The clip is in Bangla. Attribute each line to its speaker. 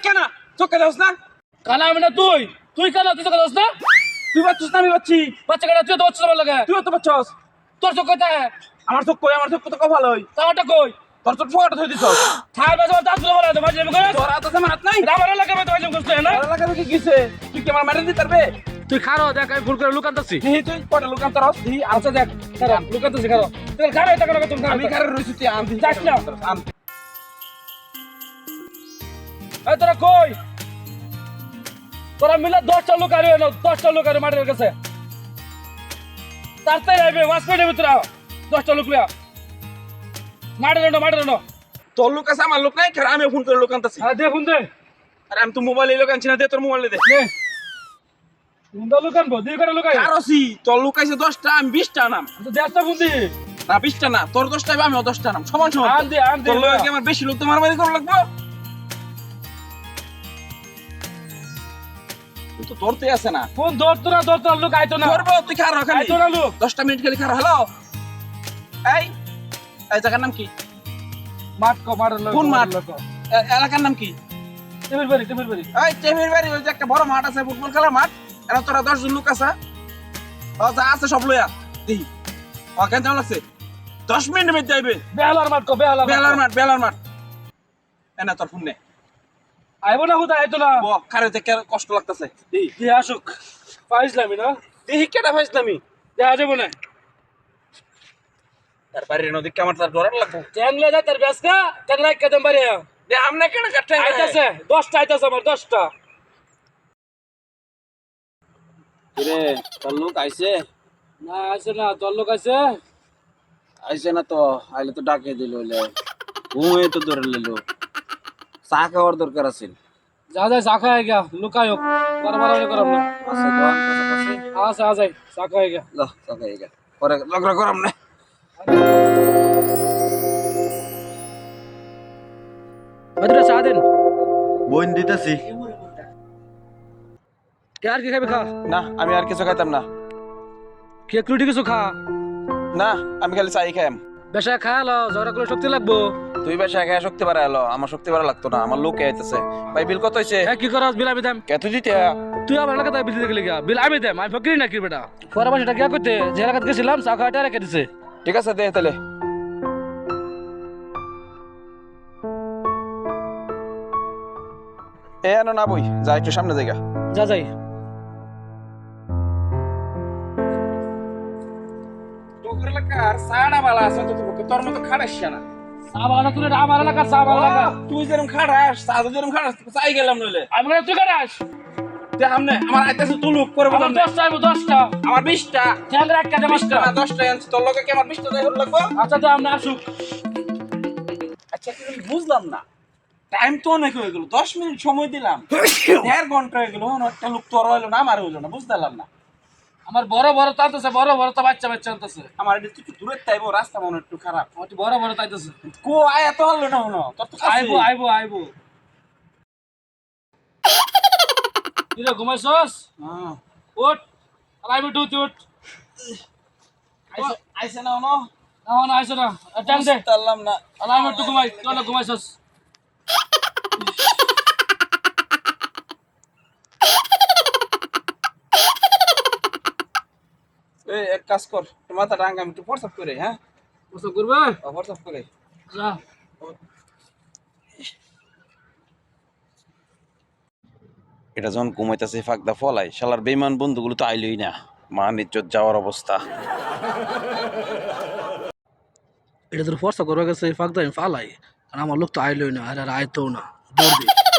Speaker 1: কেন চোখে দাস না?
Speaker 2: কানা আমি না তুই কানা তুই চোখে দাস না?
Speaker 1: তুই বাচ্চাস না আমি বাচ্চি?
Speaker 2: বাচ্চা কানা তুই তো বাচ্চা আমার লাগে।
Speaker 1: তুইও তো বাচ্চাস।
Speaker 2: তোর চোখ কোথায়?
Speaker 1: আমার চোখ কই? আমার চোখ তো কপাল হই।
Speaker 2: তাওটা কই?
Speaker 1: তোর চোখ ফোয়াটা থই দিছস।
Speaker 2: থাই বাজে দাঁত গুলো বলা তো বাজে আমি করে।
Speaker 1: তোর হাতে আমার হাত নাই।
Speaker 2: আমার লাগে তো বাজে করতে না।
Speaker 1: তোর লাগা কি কিছে? তুই কি আমার মেরে দিতে পারবে?
Speaker 2: তুই খারো দেখ আমি ভুল করে লুকানতাছি।
Speaker 1: দিহি তুই কয়টা লোক আনতে রাস দিহি।
Speaker 2: আচ্ছা দেখ খারো লুকানতাছি খারো। তুই খারো এটা করে তুমি
Speaker 1: আমি কারে রইছি তুই আন দিহি।
Speaker 2: যাস না।
Speaker 1: আন।
Speaker 2: এই তোরা কই? তোরা মিলা 10টা লোক আরে না 10টা লোক আরে মাঠের কাছে। তাড়াতাড়ি আইবে ওয়াসপেডে ভিতরে 10টা লোক লিয়া। মাঠের না।
Speaker 1: তোর লোক আছে আমার লোক নাই। কারণ আমি ফোন করে লোক আনতাছি।
Speaker 2: হ্যাঁ দে ফোন দে।
Speaker 1: আরে আমি তো মোবাইলে লোক আনছি না। দে তোর মোবাইলে দে।
Speaker 2: নে। ফোনটা লোক আনবো দুই করে লোক আইবে।
Speaker 1: কারোসি তোর লোক আছে 10টা আমি 20টা নাম।
Speaker 2: তো 10টা ফোন দি।
Speaker 1: না 20টা না। তোর 10টা আমি 10টা নাম। সমান সমান।
Speaker 2: আন দে
Speaker 1: তোর লোক কি আমার বেশি লোক তো মারামারি করা লাগবে? তুই তো ধরতে আছে না।
Speaker 2: ফোন ধরতো না লোক আইতো না।
Speaker 1: ধরবো তুই খারো খালি।
Speaker 2: আইতো না লোক।
Speaker 1: 10টা মিনিট খালি খারো। হ্যালো এই এই জায়গার নাম কি?
Speaker 2: মাঠ কো মাঠের লোক।
Speaker 1: কোন মাঠ? এলাকার নাম কি?
Speaker 2: টেবিল বাড়ি।
Speaker 1: এই টেবিল বাড়ি। ওই যে একটা বড় মাঠ আছে ফুটবল খেলার মাঠ। এরা তোরা 10 জন লোক আছে। ও যা আছে সব লইয়া দেখি। ও কেন যাও লাগছে? 10 মিনিট মধ্যে যাইবে।
Speaker 2: বেহালার মাঠ কো
Speaker 1: বেলার মাঠ এনা তোর ফোন নে।
Speaker 2: আইবো না হুদা আইতো না।
Speaker 1: ও কারে দেখে কষ্ট লাগতেছে। দেখি
Speaker 2: দি আসুক পাইছলামি না।
Speaker 1: দেখি কেটা ফাইছলামি।
Speaker 2: দেখা যাবো না।
Speaker 1: তার বাড়ির নদী কেমন তার ডরার লাগবে।
Speaker 2: ট্যাংলে যা তার বেসকা ট্যাংলা কদম বাড়ি
Speaker 1: দে আমনে কেন কাটতে
Speaker 2: আইতাছে 10টা আইতাছে আমার 10টা।
Speaker 3: রে তোর লোক আইছে?
Speaker 2: না আইছে না তোর লোক আইছে।
Speaker 3: আইছে না তো আইলে তো ডাকে দিল হইলে ঘুমিয়ে তো ধরে লিলো। চা খাওয়ার দরকার আছে।
Speaker 2: যা চা খাই গিয়া লুকায়ক বারবার করাম না।
Speaker 3: আছে তো কাছাকাছি।
Speaker 2: আ যাই চা খাই গিয়া।
Speaker 3: ল চা খাই গা পরে লগরা করাম না।
Speaker 2: ভদ্র চা দেন।
Speaker 3: বোন দিতেছি।
Speaker 2: আর কি খাবি খা।
Speaker 1: না আমি আর কিছু খাইতাম না।
Speaker 2: কেক রুটি কিছু খা।
Speaker 1: না আমি খালি চাই খাইম।
Speaker 2: বেশা খায়ালো জ্বর করলে শক্তি লাগবো।
Speaker 1: তুই বেশি খাই শক্তি বাড়া এলো। আমার শক্তি বাড়া লাগতো না। আমার লোক আইতেছে। ভাই বিল কত হইছে?
Speaker 2: হ্যাঁ কি করস বিল আমি দেম।
Speaker 1: কত দিতে?
Speaker 2: তুই আমার এলাকাতে বিল দিতে গেলি গা। বিল আমি দেম। আমি ফকির নাকি বেটা। পরে মাসে টাকা করতে যে এলাকাতে গেছিলাম চা খাওয়াটা রেখে দিছে।
Speaker 1: ঠিক আছে দে তাহলে। এ আনো না বই যা একটু সামনে জায়গা।
Speaker 2: যা যাই।
Speaker 1: তোর এলাকার সাড়া বালা আছে তো তোর মতো খাড়াস না।
Speaker 2: চা বাগান তুই আমার এলাকার চা বাগান।
Speaker 1: তুই যেরকম খাড়াস সাদা যেরকম খাড়াস চাই গেলাম নইলে।
Speaker 2: আমি বলে তুই কাটাস।
Speaker 1: দে আমনে আমার আইতাছে তুলুক করে
Speaker 2: আমার
Speaker 1: বললাম
Speaker 2: 10টা আইবো 10টা।
Speaker 1: আমার 20টা।
Speaker 2: ট্যাংরা একটা দে
Speaker 1: 20টা
Speaker 2: 5টা।
Speaker 1: না 10টা আনছি। তোর লগে কি আমার 20টা যাই হল লাগবে?
Speaker 2: আচ্ছা তো আমরা আসুক।
Speaker 1: আচ্ছা তুই বুঝলাম না। টাইম তো অনেক হয়ে গেল। 10 মিনিট সময় দিলাম। 1.5 ঘন্টা হয়ে গেল। একটা লোক তোর হইলো না আমার হইলো না। বুঝতাম না।
Speaker 2: আমার বড় তাইতেছে বড় তো বাচ্চা আনতেছে।
Speaker 1: আমার এটা একটু দূরে তাইবো রাস্তা মনে একটু খারাপ।
Speaker 2: আমার বড় তাইতেছে।
Speaker 1: কো আয় এত হলো না হলো। তোর তো
Speaker 2: আইবো। কিরে ঘুমাইছস?
Speaker 1: হ্যাঁ
Speaker 2: উঠ। আইবো তুই উঠ।
Speaker 1: আইছে না হলো।
Speaker 2: না আইছ না। টাইম দে।
Speaker 1: বুঝতাম না।
Speaker 2: আলাম একটু ঘুমাই। তুই ঘুমাইছস।
Speaker 1: এই এক কাজ কর। তোর মাথা ডাঙ্গা আমি একটু প্রসাব করে হ্যাঁ?
Speaker 2: প্রস্তাব করবে?
Speaker 1: প্রসাব করে।
Speaker 2: যা।
Speaker 3: এটা যখন ঘুমাইতেছে ফাঁকদা ফলাই শালার বেইমান বন্ধুগুলো তো আইলই না। মান ইজ্জত যাওয়ার অবস্থা।
Speaker 2: এটা তোর ফর্সা করবে গেছে ফাঁক দাম ফালাই আর আমার লোক তো আইলই না আর আইতো না দৌড় দে